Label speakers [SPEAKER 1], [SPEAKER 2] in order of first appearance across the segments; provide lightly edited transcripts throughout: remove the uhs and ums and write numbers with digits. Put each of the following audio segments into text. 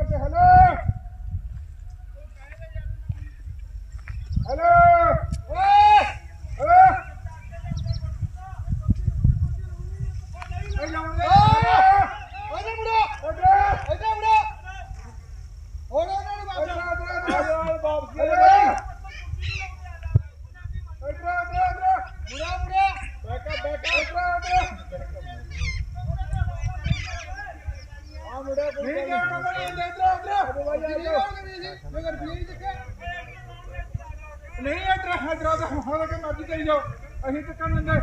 [SPEAKER 1] नहीं मर्जी करी जाओ अभी तो कर लेंगे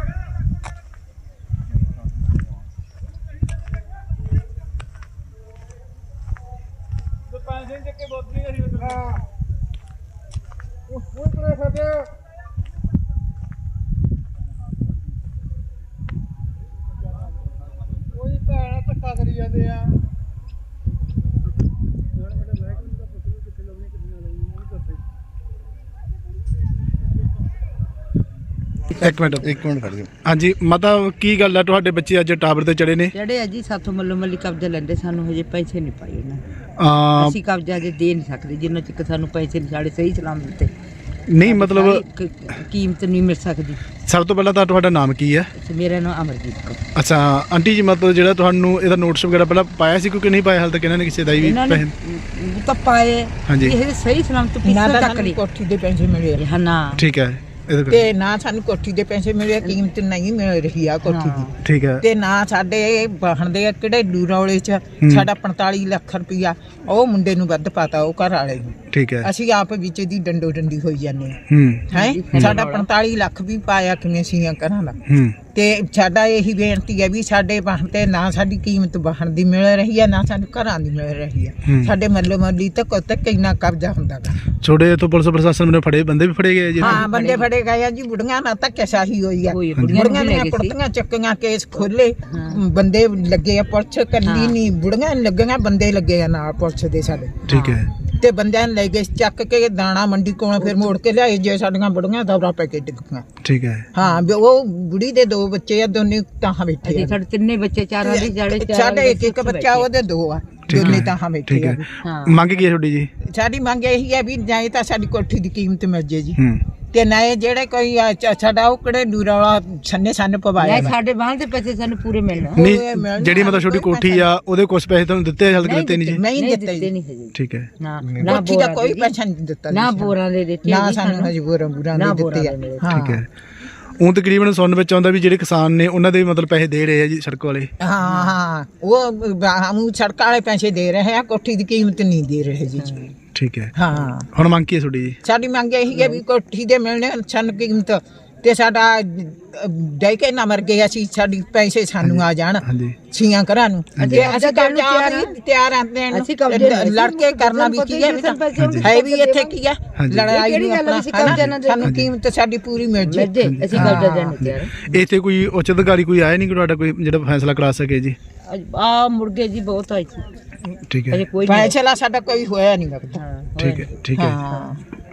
[SPEAKER 1] पैसे के बोतली करी कोई भैन धक्का करी जाते आ
[SPEAKER 2] एक मिनट खड़ जाओ। हाँ जी माता की गल है तुहाडे बच्चे अज टावर ते चढ़े ने?
[SPEAKER 3] चढ़े अजी साथों मल्लो मल्ली कब्जा लेंदे सानू हजे पैसे नहीं पाए उन्हें ਅਸੀਂ ਕਬਜ਼ਾ ਜੇ ਦੇ ਨਹੀਂ ਸਕਦੇ ਜਿੰਨਾ ਚਿਰ ਸਾਨੂੰ ਪੈਸੇ ਨਹੀਂ ਸਾਡੇ ਸਹੀ ਸਲਾਮ ਦਿੱਤੇ
[SPEAKER 2] नहीं मतलब
[SPEAKER 3] ਕੀਮਤ ਨਹੀਂ ਮਿਲ ਸਕਦੀ।
[SPEAKER 2] सब तो पहला तो तुहाडा नाम की है?
[SPEAKER 3] ਮੇਰਾ ਨਾਮ ਅਮਰਜੀਤ ਕੌਰ।
[SPEAKER 2] अच्छा आंटी जी मतलब ਜਿਹੜਾ ਤੁਹਾਨੂੰ ਇਹਦਾ ਨੋਟਿਸ ਵਗੈਰਾ ਪਹਿਲਾਂ ਪਾਇਆ ਸੀ ਕਿਉਂਕਿ ਨਹੀਂ ਪਾਇਆ ਹਾਲ ਤੱਕ ਇਹਨਾਂ ਨੇ ਕਿਸੇ ਦਾ ਵੀ ਪੈਸੇ
[SPEAKER 3] ਤਾਂ ਪਾਏ
[SPEAKER 2] ਹਾਂਜੀ
[SPEAKER 3] ਇਹ ਸਹੀ ਸਲਾਮ ਤੋਂ ਪਿੱਛੇ ਤੱਕ ਨਹੀਂ
[SPEAKER 4] ਕੋਠੀ ਦੇ ਪੈਸੇ ਮਿਲੇ
[SPEAKER 3] ਹਾਂ ਨਾ
[SPEAKER 2] ठीक है
[SPEAKER 4] ਤੇ ਨਾ ਸਾਨੂੰ ਕੋਠੀ ਦੇ ਪੈਸੇ ਮਿਲੇ ਕੀਮਤ ਨਹੀਂ ਮਿਲ ਰਹੀ ਆ ਕੋਠੀ ਦੀ
[SPEAKER 2] ठीक है
[SPEAKER 4] ਤੇ ਨਾ ਸਾਡੇ ਬਾਹਣ ਦੇ ਕਿਹੜੇ ਡੂਰੌਲੇ ਚ ਸਾਡਾ 45 ਲੱਖ ਰੁਪਇਆ ਉਹ ਮੁੰਡੇ ਨੂੰ ਵੱਧ ਪਾਤਾ ਉਹ ਘਰ ਵਾਲੇ ਨੂੰ
[SPEAKER 2] ठीक है
[SPEAKER 4] ਅਸੀਂ ਆਪ ਵਿੱਚ ਦੀ ਡੰਡੋ ਡੰਡੀ ਹੋਈ ਜਾਂਦੇ
[SPEAKER 2] हम्म
[SPEAKER 4] ਹੈ ਸਾਡਾ 45 ਲੱਖ ਵੀ ਪਾਇਆ ਕਿਵੇਂ ਸੀਆਂ ਘਰਾਂ ਦਾ ਤੇ ਸਾਡਾ ਇਹੀ ਬੇਨਤੀ ਹੈ ਵੀ ਸਾਡੇ ਬਾਹਣ ਤੇ ਨਾ ਸਾਡੀ ਕੀਮਤ ਬਾਹਣ ਦੀ ਮਿਲ ਰਹੀ ਹੈ ਨਾ ਸਾਨੂੰ ਘਰਾਂ ਦੀ ਮਿਲ ਰਹੀ ਹੈ ਸਾਡੇ ਮੱਲੋ ਮੱਲੀ ਤੱਕ ਕਿੰਨਾ ਕਬਜ਼ਾ ਹੁੰਦਾ ਗਾ
[SPEAKER 2] छोड़े तो पुलिस प्रशासन ने फड़े बंदे भी फड़े गए जी?
[SPEAKER 4] ਹਾਂ ਬੰਦੇ ਫੜੇ ਗਏ ਆ ਜੀ ਬੁੜੀਆਂ ਨਾਲ ਧੱਕੇਸ਼ਾਹੀ ਹੋਈ ਆ ਬੁੜੀਆਂ ਦੀਆਂ ਕੁੜਤੀਆਂ ਚੱਕੀਆਂ ਕੇਸ ਖੋਲੇ ਬੰਦੇ ਲੱਗੇ ਆ ਪੁਲਿਸ ਕੱਲੀ ਨਹੀਂ ਬੁੜੀਆਂ ਲੱਗੀਆਂ ਬੰਦੇ ਲੱਗੇ ਆ ਨਾਲ ਪੁਲਿਸ ਦੇ ਸਾਡੇ
[SPEAKER 2] ठीक है
[SPEAKER 4] ਤੇ ਬੰਦਿਆਂ ਲੈ ਕੇ ਚੱਕ ਕੇ ਦਾਣਾ ਮੰਡੀ ਕੋਲ ਫਿਰ ਮੋੜ ਕੇ ਲਿਆਏ ਜੇ ਸਾਡੀਆਂ ਬੁੜੀਆਂ ਦੌਰਾ ਪੈ ਕੇ ਡਿੱਗੀਆਂ
[SPEAKER 2] ठीक है
[SPEAKER 4] ਹਾਂ ਉਹ ਬੁੜੀ ਦੇ ਦੋ ਬੱਚੇ ਆ ਦੋਨੇ ਤਾਂ ਬੈਠੇ ਆ
[SPEAKER 3] ਸਾਡੇ ਤਿੰਨੇ ਬੱਚੇ ਚਾਰਾਂ ਦੇ ਜਿਹੜੇ
[SPEAKER 4] ਸਾਡੇ ਇੱਕ ਬੱਚਾ ਉਹਦੇ ਦੋ ਆ ਦੋਨੇ ਤਾਂ ਬੈਠੇ
[SPEAKER 2] ठीक
[SPEAKER 4] ਆ
[SPEAKER 2] है मांग की है छोटी जी?
[SPEAKER 4] ਸਾਡੀ ਮੰਗ ਇਹੀ ਹੈ ਵੀ ਜਾਂ ਤਾਂ ਸਾਡੀ ਕੋਠੀ ਦੀ ਕੀਮਤ ਮਿਲ ਜੇ ਜੀ
[SPEAKER 2] हम्म
[SPEAKER 4] ਤੇ ਨਾ ਇਹ ਜਿਹੜੇ ਕੋਈ ਸਾਡਾ ਉਹ ਕਿਹੜੇ ਦੂਰਾ ਵਾਲਾ ਸੰਨੇ ਪਵਾਇਆ
[SPEAKER 3] ਸਾਡੇ ਬਾਹਰ ਦੇ ਪੈਸੇ ਸਾਨੂੰ ਪੂਰੇ ਮਿਲਣ
[SPEAKER 2] नहीं ਜਿਹੜੀ मतलब छोटी कोठी आ ਉਹਦੇ ਕੁਝ ਪੈਸੇ ਤੁਹਾਨੂੰ ਦਿੱਤੇ ਹਾਲ ਤੱਕ ਦਿੱਤੇ ਨਹੀਂ ਜੀ?
[SPEAKER 4] ਨਹੀਂ ਦਿੱਤੇ
[SPEAKER 3] ਨਹੀਂ ਹਜੇ
[SPEAKER 2] ठीक है
[SPEAKER 3] ਨਾ
[SPEAKER 4] ਕੋਠੀ ਦਾ ਕੋਈ ਪੈਸਾ ਨਹੀਂ ਦਿੱਤਾ
[SPEAKER 3] ਨਾ ਬੋਰਾਂ ਦੇ ਦਿੱਤੇ
[SPEAKER 4] ਨਾ ਸਾਨੂੰ ਹਜੇ ਬੋਰਾਂ ਦੇ ਦਿੱਤੇ ਆ
[SPEAKER 2] ठीक है ਉਹ ਤਕਰੀਬਨ ਸੁਣਨ ਵਿੱਚ ਆਉਂਦਾ ਵੀ ਜਿਹੜੇ ਕਿਸਾਨ ਨੇ ਉਹਨਾਂ ਦੇ ਮਤਲਬ ਪੈਸੇ ਦੇ ਰਹੇ ਆ ਜੀ ਸੜਕ ਵਾਲੇ?
[SPEAKER 4] ਹਾਂ ਉਹ ਹਮ ਸੜਕ ਵਾਲੇ ਪੈਸੇ ਦੇ ਰਹੇ ਆ ਕੋਠੀ ਦੀ ਕੀਮਤ ਨਹੀਂ ਦੇ ਰਹੇ ਜੀ
[SPEAKER 2] ਠੀਕ ਹੈ
[SPEAKER 4] ਹਾਂ
[SPEAKER 2] ਹੁਣ ਮੰਗ ਕੀ ਹੈ ਤੁਹਾਡੀ ਜੀ?
[SPEAKER 4] ਸਾਡੀ ਮੰਗ ਇਹੀ ਹੈ ਵੀ ਕੋਠੀ ਦੇ ਮਿਲਣੇ ਸਾਨੂੰ ਕੀਮਤ ਤੇ ਸਾਡਾ ਡੈ ਕੇ ਨਾ ਮਰ ਗਏ ਅਸੀਂ ਸਾਡੀ ਪੈਸੇ ਸਾਨੂੰ ਆ ਜਾਣ
[SPEAKER 2] ਹਾਂਜੀ
[SPEAKER 4] ਛੀਆਂ ਘਰਾਂ ਨੂੰ ਤੇ ਅਸੀਂ ਤਿਆਰ ਆਂਦੇ ਲੜਕੇ ਕਰਨਾ ਵੀ ਕੀ ਹੈ ਵੀ ਇੱਥੇ ਕੀ ਹੈ ਲੜਾਈ ਨੂੰ ਆਪਣਾ ਸਾਨੂੰ ਕੀਮਤ ਸਾਡੀ ਪੂਰੀ ਮਿਲ ਜੇ
[SPEAKER 3] ਅਸੀਂ ਕਬਜ਼ਾ ਦੇਣ ਨੂੰ ਤਿਆਰ।
[SPEAKER 2] ਇੱਥੇ ਕੋਈ ਉੱਚ ਅਧਿਕਾਰੀ ਕੋਈ ਆਇਆ ਨਹੀਂ ਕਿ ਤੁਹਾਡਾ ਕੋਈ ਜਿਹੜਾ ਫੈਸਲਾ ਕਰਾ ਸਕੇ ਜੀ?
[SPEAKER 3] ਆ ਮੁਰਗੇ ਜੀ ਬਹੁਤ ਆਈ ਸੀ
[SPEAKER 2] ਠੀਕ ਹੈ
[SPEAKER 3] ਕੋਈ
[SPEAKER 4] ਫੈਸਲਾ ਸਾਡਾ ਕੋਈ ਹੋਇਆ ਨਹੀਂ ਲੱਗਦਾ
[SPEAKER 2] ਠੀਕ ਹੈ
[SPEAKER 4] ਹਾਂ